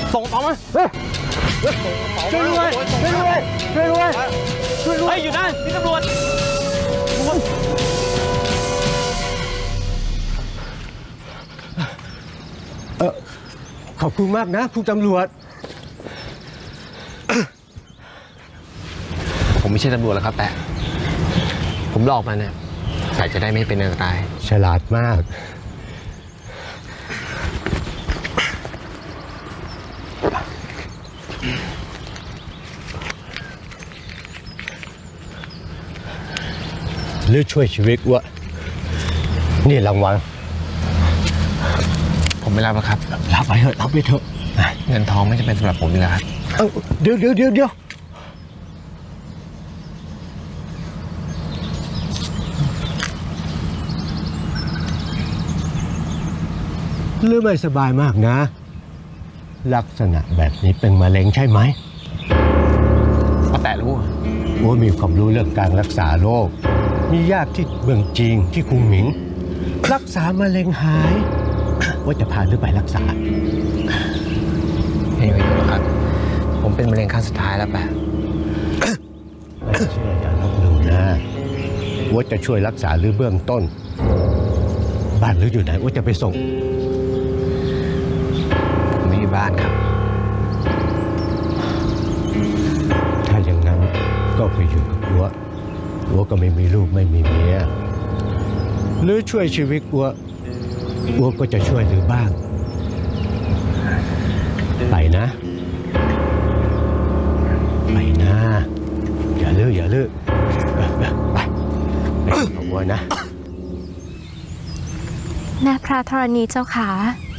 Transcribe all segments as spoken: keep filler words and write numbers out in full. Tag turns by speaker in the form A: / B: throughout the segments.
A: ส่งต่อมาเฮ้ยช่วยด้วยช่วยด้วยช่วยด้วยช่วยด้วยเฮ้ยอยู่นั่นพี่ตำรวจ
B: เออขอบคุณมากนะคุณตำรวจ
A: ผมไม่ใช่ตำรวจแล้วครับแปะผมหลอกมันเนี่ยใส่จะได้ไม่เป็นอันตราย
B: ฉลาดมากหรือช่วยชีวิตวะนี่รางวัล
A: ผมไม่รับแล้วครับ
B: รับไปเถอะรับไปเถอะ
A: เงินทองไม่จำเป็นสำหรับผมนี่แหละครับ
B: เดี๋ยวเดี๋ยวเดี๋ยวเดี๋ยวหรือไม่สบายมากนะลักษณะแบบนี้เป็นมะเร็งใช่ไหม
A: ป้าแตะรู้
B: ว่ามีความรู้เรื่องการรักษาโรคมีญาติที่เมืองจีนที่คุงหมิงรักษามะเร็งหายว่าจะพาหรือไปรักษา
A: ไม่มีประโยชน์ครับผมเป็นมะเร็งขั้นสุดท้ายแล้วแปะ
B: ไม่เชื่ออย่าลบหลู่นะว่าจะช่วยรักษาหรือเบื้องต้นบ้านหรืออยู่ไหนว่าจะไปส่ง
A: ผมไม่มีบ้านครับ
B: ถ้าอย่างนั้นก็ไปอยู่กับอัวอัวก็ไม่มีลูกไม่มีเมียหรือช่วยชีวิตอัวอัวก็จะช่วยหรือบ้างไปนะไปนะอย่าลื้ออย่าลื้อไปไปกับอัวนะ
C: แม่พระธรณีเจ้าขา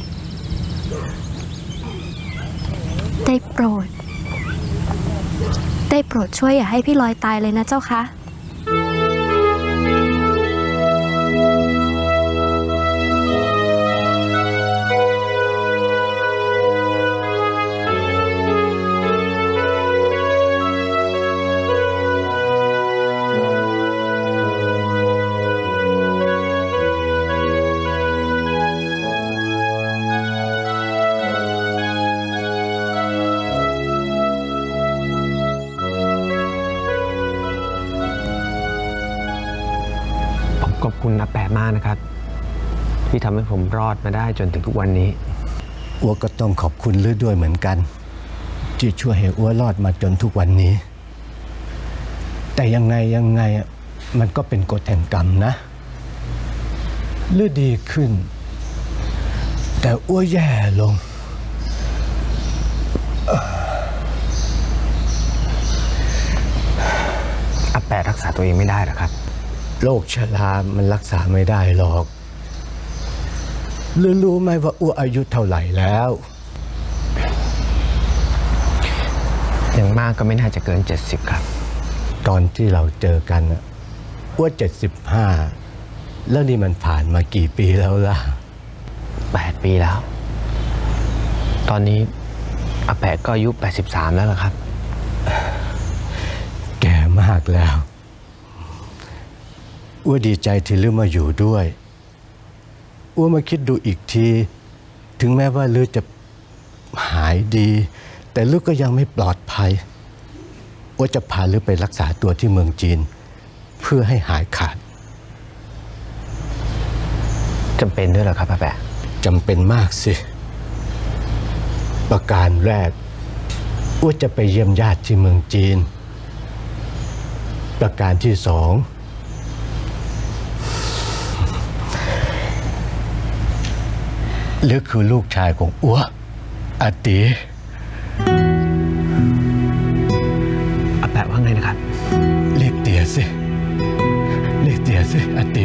C: ได้โปรดได้โปรดช่วยอย่าให้พี่ลอยตายเลยนะเจ้าคะ
A: ขอบคุณนะแปะมากนะครับที่ทำให้ผมรอดมาได้จนถึงทุกวันนี้
B: อัวก็ต้องขอบคุณลือด้วยเหมือนกันที่ช่วยให้อัวรอดมาจนทุกวันนี้แต่ยังไงยังไงมันก็เป็นกฎแห่งกรรมนะลือดีขึ้นแต่อัวแย่ลง
A: อาแปะรักษาตัวเองไม่ได้หรอครับ
B: โรคชรามันรักษาไม่ได้หรอกรู้รู้ไหมว่าอ้วอายุเท่าไหร่แล้ว
A: อย่างมากก็ไม่น่าจะเกินเจ็ดสิบครับ
B: ตอนที่เราเจอกันอ้วเจ็ดสิบห้าแล้วนี่มันผ่านมากี่ปีแล้วล่ะ
A: แปดปีแล้วตอนนี้อาแปะก็อายุแปดสิบสามแล้วล่ะครับ
B: แก่มากแล้วอ้วดีใจที่ลือมาอยู่ด้วยอ้วมาคิดดูอีกทีถึงแม้ว่าลือจะหายดีแต่ลือก็ยังไม่ปลอดภัยอ้วจะพาลือไปรักษาตัวที่เมืองจีนเพื่อให้หายขาด
A: จำเป็นด้วยเหรอครับอาแปะ
B: จำเป็นมากสิประการแรกอ้วจะไปเยี่ยมญาติที่เมืองจีนประการที่สองหรือคือลูกชายของอัวอาติ
A: อาแปะว่าไงนะครับ
B: เรียกเตี๋ยสิเรียกเตี๋ยสิอาติ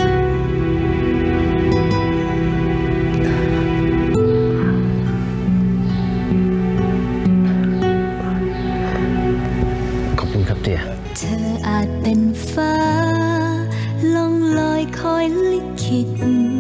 A: ขอบคุณครับเตี๋ย
C: เธออาจเป็นฟ้าล่องลอยคอยลิขิต